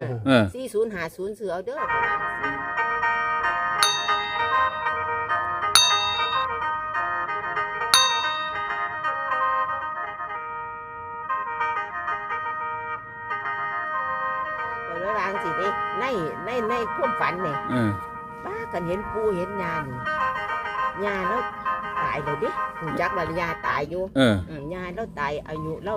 4050ซื้อเอาเด้อแล้วล้างสิในความฝันเนี่ยป้ากันเห็นปูเห็นยานี่ยาแล้วตายเลยดิหูจักว่ายาตายอยู่ยาแล้วตายอายุแล้ว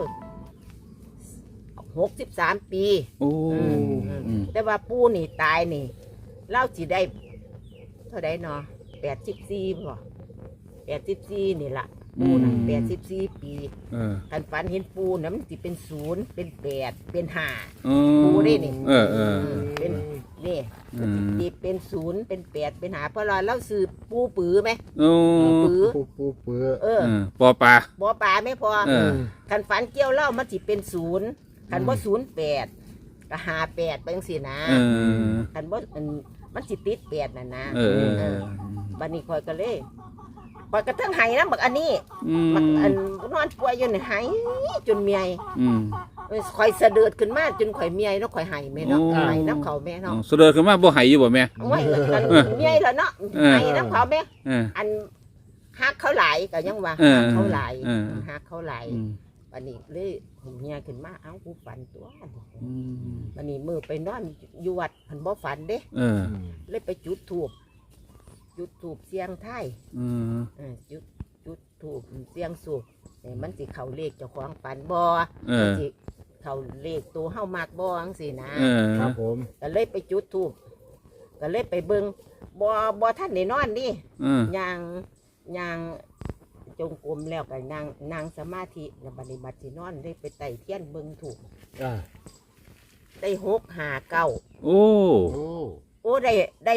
63 ปีแต่ว่าปูนี่ตายนี่เล่าสิได้เท่าไดเนาะ84บ่84นี่ล่ะปูน่ะ84 ปีกันฝันเห็นปูน่ะมันสิเป็น0เป็น8เป็น5ปูได้นี่เป็นนี่สิเป็น0เป็น8เป็น5เพราะเราซื้อปูปือไหมปูปือปอปลาไม่พอกันฝันเกี่ยวเล่ามันสิเป็น0กันบ่08ก็58ไปจังซี่นะกันบ่มันสิติด8น่ะนะบัดนี้ข่อยก็เลยข่อยก็ทั้งไห้นำบักอันนี้บักอันนอนป่วยอยู่นี่ไห้จนเมียข่อยสะเดือดขึ้นมาจนข่อยเมียเนาะข่อยไห้แม่เนาะไห้น้ำเขาแม่เนาะสะเดือดขึ้นมาบ่ไห้อยู่บ่แม่โอ้ยกันเมียแล้วเนาะไห้น้ำเขาแม่อันฮักเขาหลายก็ยังว่าฮักเขาหลายฮักเขาหลายบัดนี้เลยเมียขึ้นมาเอ้ากูฝันตัวบัดนี้มื้อไปนอนอยู่วัดเพิ่นบ่ฝันเด้เลยไปจุดธูปเสียงไทยจุดธูปเสียงสูบมันสิเข้าเลขเจ้าของฝันบ่มันสิเข้าเลขตัวเฮามักบ่จังซี่นะครับผมก็เลยไปจุดธูปก็เลยไปเบิ่งบ่ทันได้นอนดิย่างจงกรมแล้วก็นั่งสมาธิแล้วบัดนี้บัดสินอนได้ไปไต่เทียนเบิ่งถูกได้659โอ้ได้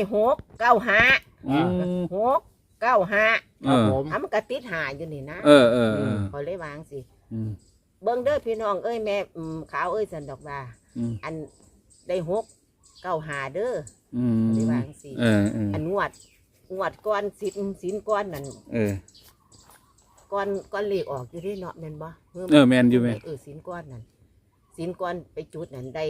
695ครับผมมันก็ติด5อยู่นี่นะพอเลยวางสิเบิ่งเด้อพี่น้องเอ้ยแม่ขาวเอ้ยสันดอกว่าอันได้695เด้อได้วางสิอันงวดก้อนสินก้อนนั่นก้อนเลขออกอยู่ที่เนาะแม่นบ่แม่นอยู่แม่สินก้อนนั่นสินก้อนไปจุดนั่นได้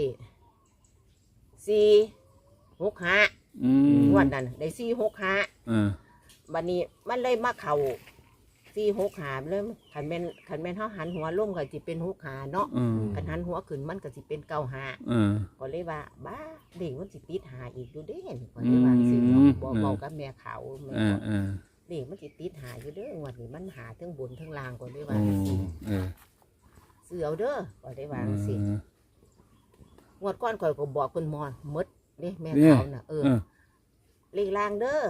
465งวดนั่นได้465บัดนี้มันเลยมาเข้า465เลยคันแม่นเฮาหันหัวลงก็สิเป็น65เนาะคันหันหัวขึ้นมันก็สิเป็น95ก็เลยว่าบ้าเด็กมันสิติด5อีกอยู่เด้ก็เลยว่าสิบ่เว้ากับแม่เขาแม่เด็กมันสิติด5อยู่เด้องวดนี้มันหาทั้งบนทั้งล่างก็เลยว่าสิซื้อเอาเด้อก็ได้ว่าสิงวดก่อนข่อยก็บอกเพิ่นหมดเด้แม่เขาน่ะเลขล่างเด้อ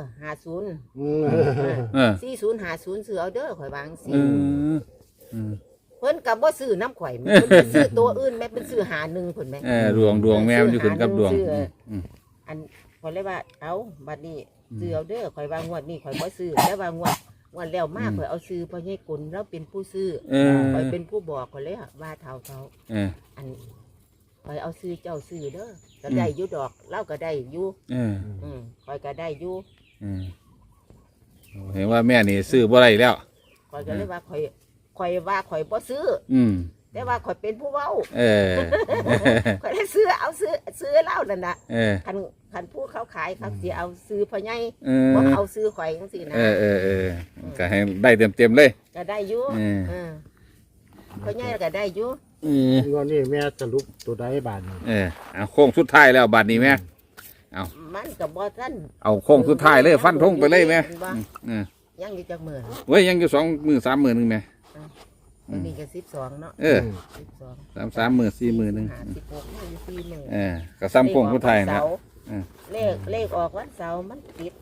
50 4050ซื้อเอาเด้อข่อยวางสิเพิ่นก็บ่ซื้อน้ำข่อยเพิ่นซื้อตัวอื่นแม่เพิ่นซื้อ51เพิ่นแม่ดวงแม่มันอยู่ขึ้นกับดวงอันข่อยเลยว่าเอ้าบัดนี้ซื้อเอาเด้อข่อยวางงวดนี้ข่อยบ่ซื้อแต่ว่างวดแล้วมาข่อยเอาซื้อพ่อใหญ่กุลแล้วเป็นผู้ซื้อข่อยเป็นผู้บอกข่อยเลยว่าเท่าอันข่อยเอาซื้อเจ้าซื้อเด้อก็ได้อยู่ดอกเล่าก็ได้อยู่ข่อยก็ได้อยู่เห็นว่าแม่นี่ซื้อบ่ได้แล้วข่อยก็เลยว่าข่อยว่าข่อยบ่ซื้อแต่ว่าข่อยเป็นผู้เว้าข่อยได้ซื้อเอาซื้อเล่านั่นน่ะคันผู้เขาขายเขาสิเอาซื้อพ่อใหญ่บ่เอาซื้อข่อยจังซี่นะก็ให้ได้เต็มเลยก็ได้อยู่พ่อใหญ่ก็ได้อยู่งอนนี่แม่สรุปตัวใดบาทเอาโค้งสุดท้ายแล้วบาทนี้แม่เอามันก็บ่ทันเอาโค้งสุดท้ายเลยฟันธงไปเลยแม่ยังอยู่จักมื้อเว้ยยังอยู่2 มื้อ 3 มื้อนึงแม่มันมีแค่12เนาะ 12 3 มื้อ 4 มื้อนึง 16 4มื้อก็ซ้ำโค้งสุดท้ายนะเลขออกวันเสาร์มันติด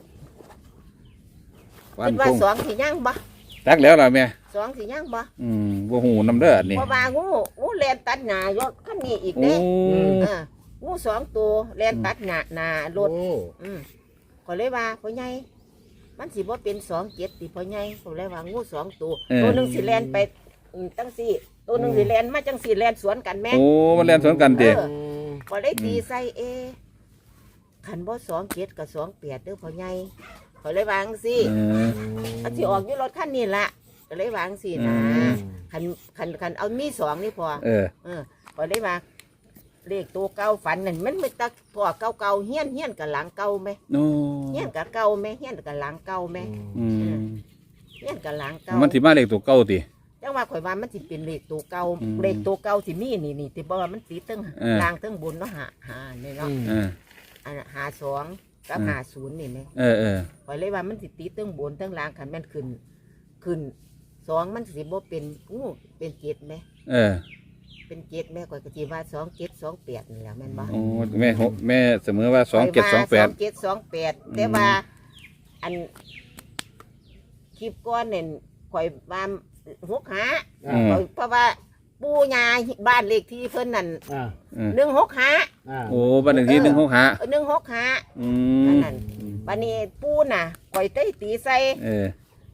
คิดว่า2สิยังบ่จักแล้วล่ะแม่ 2สิยังบ่บ่ฮู้นำเด้อนี่เพราะว่างูแล่นตัดหน้ายกคันนี้อีกเด้งู2ตัวแล่นตัดหน้ารถก็เลยว่าพ่อใหญ่มันสิบ่เป็น27ติพ่อใหญ่ก็เลยว่างู2ตัวนึงสิแล่นไปจังซี่ตัวนึงสิแล่นมาจังซี่แล่นสวนกันแม่มันแล่นสวนกันติก็เลยตีใส่คันบ่27กับ28เด้อพ่อใหญ่ก็เลยวาจังซี่อันสิออกอยู่รถคันนี้ล่ะก็เลยวาจังซี่นะคันเอามี2นี่พอก็เลยว่าเลขตัวเก่าฝันนั่นมันไม่ตักพ่อเก่าเฮี้ยนกับหลังเก่าไหมโอ้เฮี้ยนกับเก่าไหมเฮี้ยนกับหลังเก่าไหมอืมเฮี้ยนกับหลังเก่ามันสิมาเลขตัวเก่าติจังว่าข่อยว่ามันสิเป็นเลขตัวเก่าอืมเลขตัวเก่าสิมีนี่ที่บอกว่ามันติดตั้งเออล่างตั้งบนเนาะหาเนี่ยเนาะเอออันหาสองกับหาศูนย์นี่ไหมเออข่อยเลยว่ามันสิติดตั้งบนตั้งล่างคันแม่นขึ้นสองมันสิบ่เป็นเป็นเจ็ดไหมเออเป็นเจ็ดแม่ข่อยก็สิว่า2728นี่แหละแม่นบ่โอ้แม่เสมอว่า2728 2728แต่ว่าอันคลิปก้อนเนี่ยข่อยว่า6หาอืมเพราะว่าปู่ย่าบ้านเลขที่เพิ่นนั่นอ่า 165 อ่าโอ้บ้านเลขที่165 165 อือันมนั้นบัดนี้ปู่น่ะข่อยได้ตีใส่เออ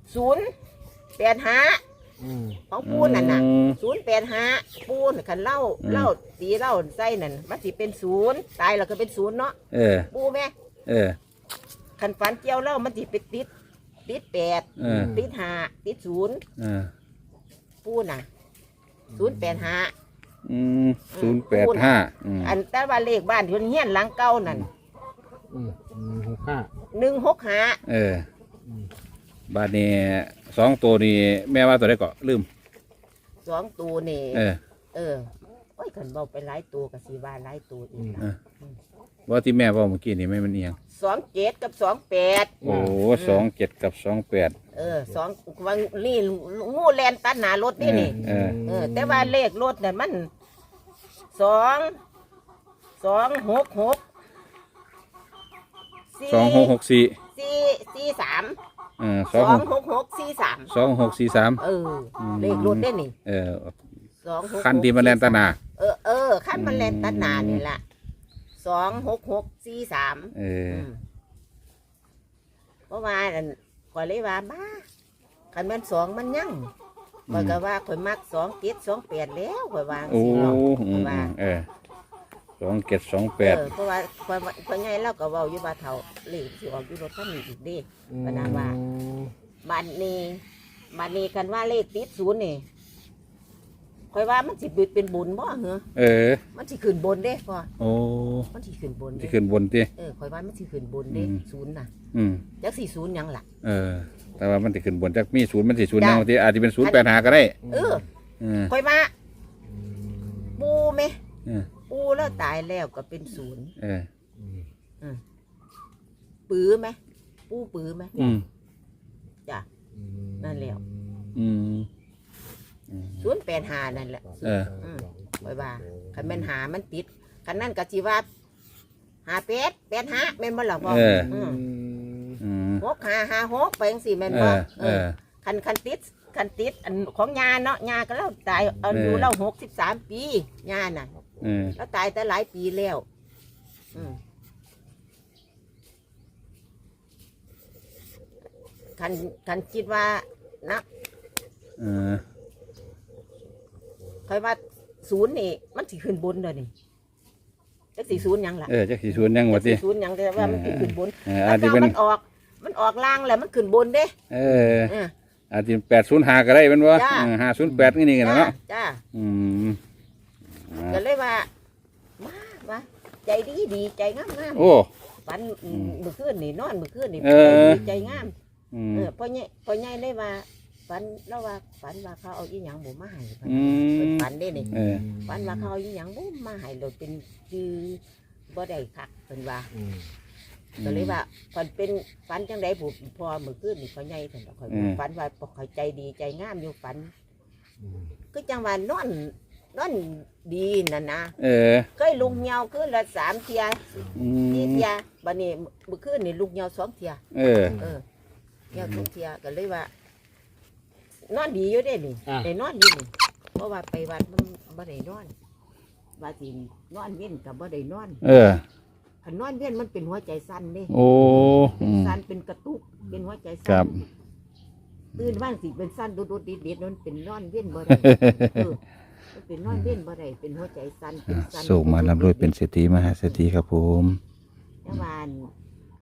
085 อืมของปู่นั่นน่ะอืม 085ปู่น่ะคันเล่าตีเล่าใส่นั่นมันสิเป็น0ตายแล้วก็เป็น0เนาะเออปู่แม่เออคันฝันเกี่ยวเล่ามันสิไปติด8 เออติด5ติด0 เออปู่น่ะ085 อืม085อืมอันแต่ว่าเลขบ้านที่เพิ่นเฮียนหลังเก่านั่น 65 165 เออบ้านนี้2ตัวนี่แม่ว่าตัวใดก็ลืม 2ตัวนี่เออโอ้ยคันเว้าไปหลายตัวก็สิว่าหลายตัวอีกเออว่าที่แม่เว้าเมื่อกี้นี่ไม่มันเอียง 27กับ28 โอ้27กับ28 สองวังนี่งูแลนตัดหน้ารถนี่นี่เออแต่ว่าเลขรถเนี่ยมัน2 6 6 2664 4 3 เออ 2 6 6 4 3 2643 เลขรถได้นี่เออ 2 6 คันที่มันแล่นตาหนาคันมันแลนตัดหน้านี่ล่ะ2 6 6 4 3 เออเพราะว่าข่อยเลยว่าบ้าคันแม่น2มันยังข่อยก็ว่าข่อยมัก2 7 2 8แล้วข่อยวางโอ้สิเนาะอืข่อยมว่าเออ2728 เพราะว่าข่อยใหญ่แล้วก็เว้าอยู่ว่าเฒ่าเลขสิออกอยู่รถคันนี้อีกเด้ปานนั้นว่าบัดนี้คันว่าเลขติด0นี่ข่อยว่ามันสิเป็นบุญบ่เหรอเออมันสิขึ้นบนเด้พ่อโอ้มันสิขึ้นบนสิเด้ขึ้นบนติข่อยว่ามันสิขึ้นบนเด้อืมศูนย์น่ะอืมจักสิศูนย์หยังล่ะเออ แต่ว่ามันสิขึ้นบนจักมี0มันสิ0 จ้ะยังบางทีอาจจะเป็น085ก็ได้เออเออข่อยว่าปูไหมเออปูแล้วตายแล้วก็เป็นศูนย์เออปื้อไหมปูปื้อไหมอืมจ้ะนั่นแล้วอืม 085นั่นแหละเออไว้ว่าคันแม่นหามันติดคันนั่นก็สิว่า58 85แม่นบ่ล่ะพ่อเอออืมอืม 6556ไปจังซี่แม่นเอบ่อเออคันติดอันของยาเนาะยาก็เล่าตายอายุเออเรา63 ปียาน่ะเออแล้วตายแต่หลายปีแล้วคันคิดว่านะเออคอยว่าศูนย์นี่มันสิขึ้นบนเด้อนี่จักสิศูนย์หยังล่ะเออจักสิ0ยังว่าติจักสิศูนย์หยังแต่ว่ามันสิขึ้นบนเอออาจจะเป็นมันออกล่างแล้วมันขึ้นบนเด้เออเอออาจจะ805ก็ได้เป็นบ่จ้า 508นี่กันเนาะจ้าอืมก็เลยว่าว่าใจดีใจงามโอ้ฝันมื้อคืนนี่นอนมื้อคืนนี่เออใจงามอืมพ่อใหญ่เลยว่าฝันแล้วว่าฝันว่าเขาเอาอีหยังบ่มาให้อืมฝันได้นี่เออฝันว่าเขาเอาอีหยังบ่มาให้เราเป็นคือบ่ได้คักเพิ่นว่าก็เลยว่าฝันเป็นฝันจังได๋ผู้พอมื้อคืนนี่พ่อใหญ่เพิ่นก็ค่อยฝันว่าปกเขาใจดีใจงามอยู่ฝันคือจังว่านอนดีนั่นนะเออเคยลุงเหยาคืนละ3เที่ยอืม 4เที่ยบัดนี้มื้อคืนนี่ลุงเหยา2เที่ยเออเหยา2เที่ยก็เลยว่า นอนดีอยู่เด้นี่อ่าได้นอนอยู่นี่เพราะว่าไปวัดมันบ่ได้นอนว่าสินอนเว้นก็บ่ได้นอนเออคันนอนเว้นมันเป็นหัวใจสั่นเด้โอ้อืมสั่นเป็นกระตุกเป็นหัวใจครัสั่บนตื่นบ้านสิเป็นสั่นโดดๆดิดๆนั่นเป็นนอนเว้นบ่ได้มันเป็นนอนเว้นบ่ได้เป็นหัวใจสั่นเป็นสั่นส่งมาลำรวยเป็นเศรษฐีมหาเศรษฐีครับผมแต่ว่า